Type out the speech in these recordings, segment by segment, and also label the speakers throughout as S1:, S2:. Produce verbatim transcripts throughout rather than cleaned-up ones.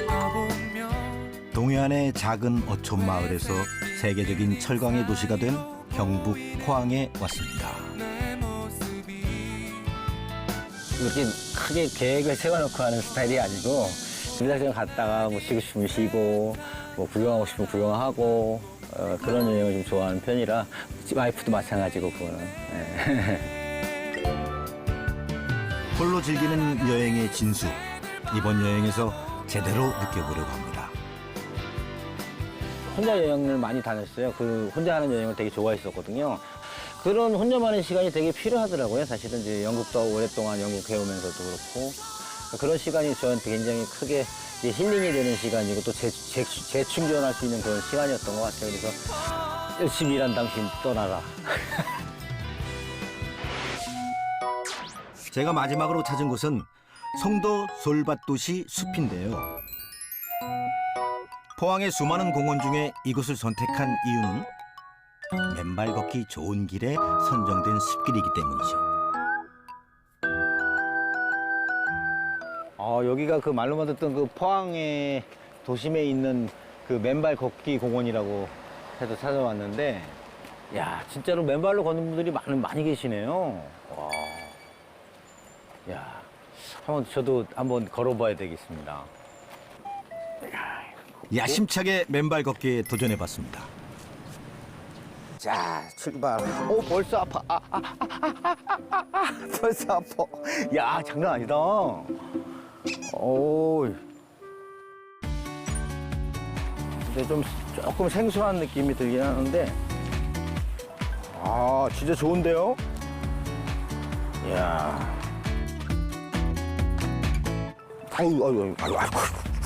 S1: 동해안의 작은 어촌 마을에서 세계적인 철강의 도시가 된 경북 포항에 왔습니다.
S2: 이렇게 크게 계획을 세워놓고 하는 스타일이 아니고 그냥 갔다가 뭐 쉬고 싶으면 쉬고 뭐 구경하고 싶으면 구경하고 어, 그런 여행을 좀 좋아하는 편이라 와이프도 마찬가지고 그거는. 네.
S1: 홀로 즐기는 여행의 진수. 이번 여행에서 제대로 느껴보려고 합니다.
S2: 혼자 여행을 많이 다녔어요. 그 혼자 하는 여행을 되게 좋아했었거든요. 그런 혼자만의 시간이 되게 필요하더라고요. 사실은 이제 영국도 오랫동안 영국 해오면서도 그렇고 그런 시간이 저한테 굉장히 크게 이제 힐링이 되는 시간이고 또 재, 재, 재충전할 수 있는 그런 시간이었던 것 같아요. 그래서 열심히 일한 당신 떠나라.
S1: 제가 마지막으로 찾은 곳은 송도 솔밭도시 숲인데요. 포항의 수많은 공원 중에 이곳을 선택한 이유는 맨발 걷기 좋은 길에 선정된 숲길이기 때문이죠.
S2: 어, 여기가 그 말로만 듣던 그 포항의 도심에 있는 그 맨발 걷기 공원이라고 해서 찾아왔는데, 야, 진짜로 맨발로 걷는 분들이 많이, 많이 계시네요. 와. 야, 한번 저도 한번 걸어봐야 되겠습니다.
S1: 야심차게 맨발 걷기에 도전해봤습니다.
S2: 자, 출발. 오, 벌써 아파. 아, 아, 아, 아, 아, 아, 아, 벌써 아파. 야, 장난 아니다. 오. 근데 좀 조금 생소한 느낌이 들긴 하는데, 아, 진짜 좋은데요? 이야. 아유, 아유, 아유, 아이고.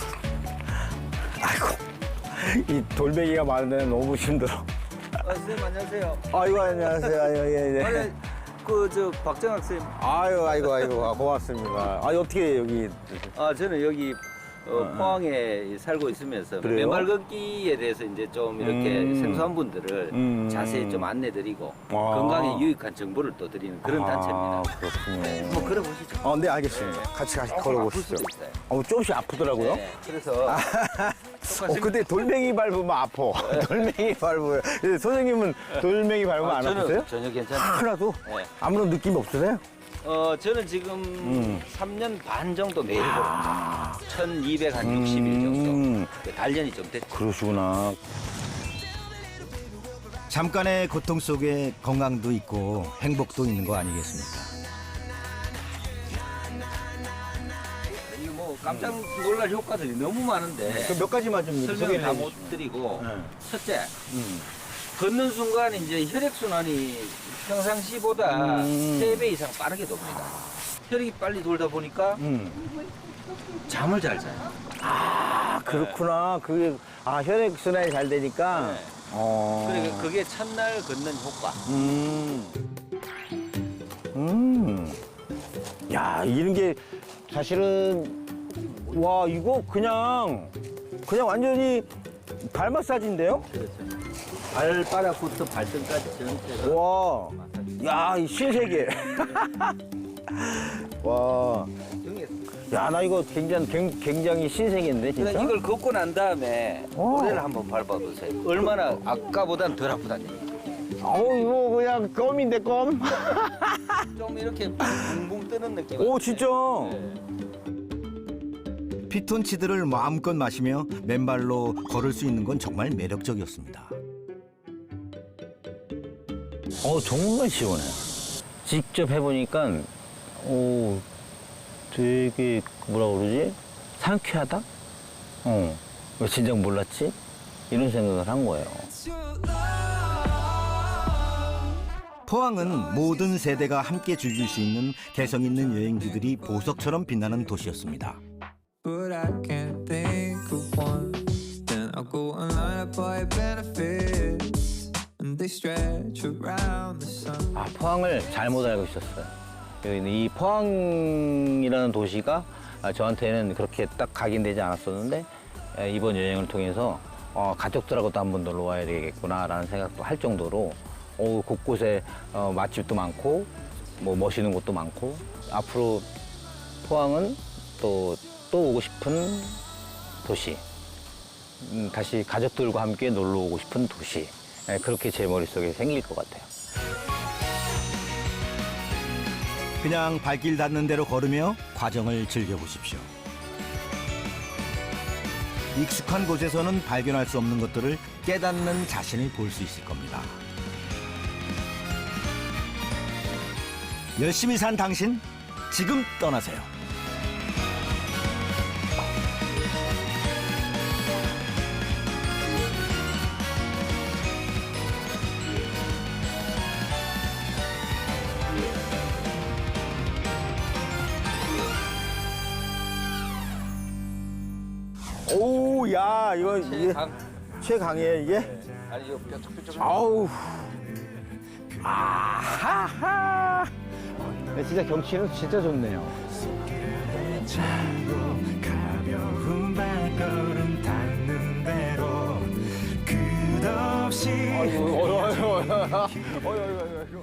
S2: 아이고. 이 돌멩이가 많은 데는 너무 힘들어.
S3: 아, 선생님 안녕하세요.
S2: 아이고, 안녕하세요. 아유, 예, 예.
S3: 아니, 그, 저, 박정학 선생님.
S2: 아유, 아이고, 아이고, 고맙습니다. 아, 어떻게 여기.
S3: 아, 저는 여기 어, 포항에 살고 있으면서
S2: 그래요?
S3: 맨발 걷기에 대해서 이제 좀 이렇게
S2: 음.
S3: 생소한 분들을
S2: 음.
S3: 자세히 좀 안내드리고
S2: 아.
S3: 건강에 유익한 정보를 또 드리는 그런 단체입니다.
S2: 아, 그렇군요.
S3: 한번 걸어보시죠.
S2: 어, 네, 알겠습니다. 같이 같이 걸어보시죠.
S3: 아플 수도 있어요.
S2: 어, 조금씩 아프더라고요.
S3: 네, 그래서
S2: 어, 근데 돌멩이 밟으면 아파. 돌멩이 밟으면. 근데 선생님은 돌멩이 밟으면
S3: 아,
S2: 안
S3: 저는
S2: 아프세요?
S3: 전혀 괜찮아요.
S2: 하나도?
S3: 네.
S2: 아무런 느낌 없으세요?
S3: 어, 저는 지금
S2: 음.
S3: 삼 년 반 정도 매일 걸어요. 천이백육십 일 정도.
S2: 음.
S3: 단련이 좀 됐죠.
S2: 그러시구나.
S1: 잠깐의 고통 속에 건강도 있고 행복도 있는 거 아니겠습니까?
S3: 이 뭐 깜짝 놀랄 효과들이 너무 많은데
S2: 그 몇 가지만 좀
S3: 설명을
S2: 소개를
S3: 다
S2: 해주시죠.
S3: 못 드리고
S2: 네.
S3: 첫째
S2: 음.
S3: 걷는 순간 이제 혈액순환이 평상시보다
S2: 음.
S3: 세 배 이상 빠르게 돕니다. 혈액이 빨리 돌다 보니까
S2: 음.
S3: 잠을 잘 자요.
S2: 아, 그렇구나. 그게, 아, 혈액순환이 잘 되니까.
S3: 네.
S2: 어.
S3: 그리고 그게 첫날 걷는 효과.
S2: 음. 음. 야, 이런 게 사실은, 와, 이거 그냥, 그냥 완전히 발 마사지인데요?
S3: 그렇죠. 발바닥부터 발등까지 전체가
S2: 와,
S3: 마사지.
S2: 야, 이 신세계. 와,
S3: 등에서.
S2: 야, 나 이거 굉장히, 굉- 굉장히 신세계인데, 진짜?
S3: 그냥 이걸 걷고 난 다음에
S2: 오.
S3: 모래를 한번 밟아보세요. 얼마나 아까보단 덜 아프다는 얘기.
S2: 어우, 이거 그냥 껌인데, 껌?
S3: 좀 이렇게 붕붕 뜨는 느낌.
S2: 오, 진짜?
S1: 피톤치드를 마음껏 마시며 맨발로 걸을 수 있는 건 정말 매력적이었습니다.
S2: 어, 정말 시원해요. 직접 해보니까, 오, 되게, 뭐라 그러지? 상쾌하다? 어, 왜 진작 몰랐지? 이런 생각을 한 거예요.
S1: 포항은 모든 세대가 함께 즐길 수 있는 개성 있는 여행지들이 보석처럼 빛나는 도시였습니다.
S4: But I can't think of one. Then I'll go online and buy benefits, and they stretch around the sun.
S2: 아, 포항을 잘못 알고 있었어요. 여기는 이 포항이라는 도시가 아, 저한테는 그렇게 딱 각인되지 않았었는데 에, 이번 여행을 통해서 어, 가족들하고도 한번 놀러 와야 되겠구나라는 생각도 할 정도로 어, 곳곳에 어, 맛집도 많고 뭐 멋있는 곳도 많고 앞으로 포항은 또, 또 오고 싶은 도시. 음, 다시 가족들과 함께 놀러 오고 싶은 도시. 예, 그렇게 제 머릿속에 생길 것 같아요.
S1: 그냥 발길 닿는 대로 걸으며 과정을 즐겨보십시오. 익숙한 곳에서는 발견할 수 없는 것들을 깨닫는 자신을 볼 수 있을 겁니다. 열심히 산 당신, 지금 떠나세요.
S5: 오, 야, 이거 이게
S3: 강.
S5: 최강이에요, 이게?
S3: 아니 이거 뾰족뾰족.
S5: 아우.
S2: 아하하! 네, 진짜 경치는 진짜 좋네요.
S6: 가벼운 발걸음 닿는 대로 끝없이
S5: 어이구, 어이구, 어이구, 어이구, 어이구, 어이구.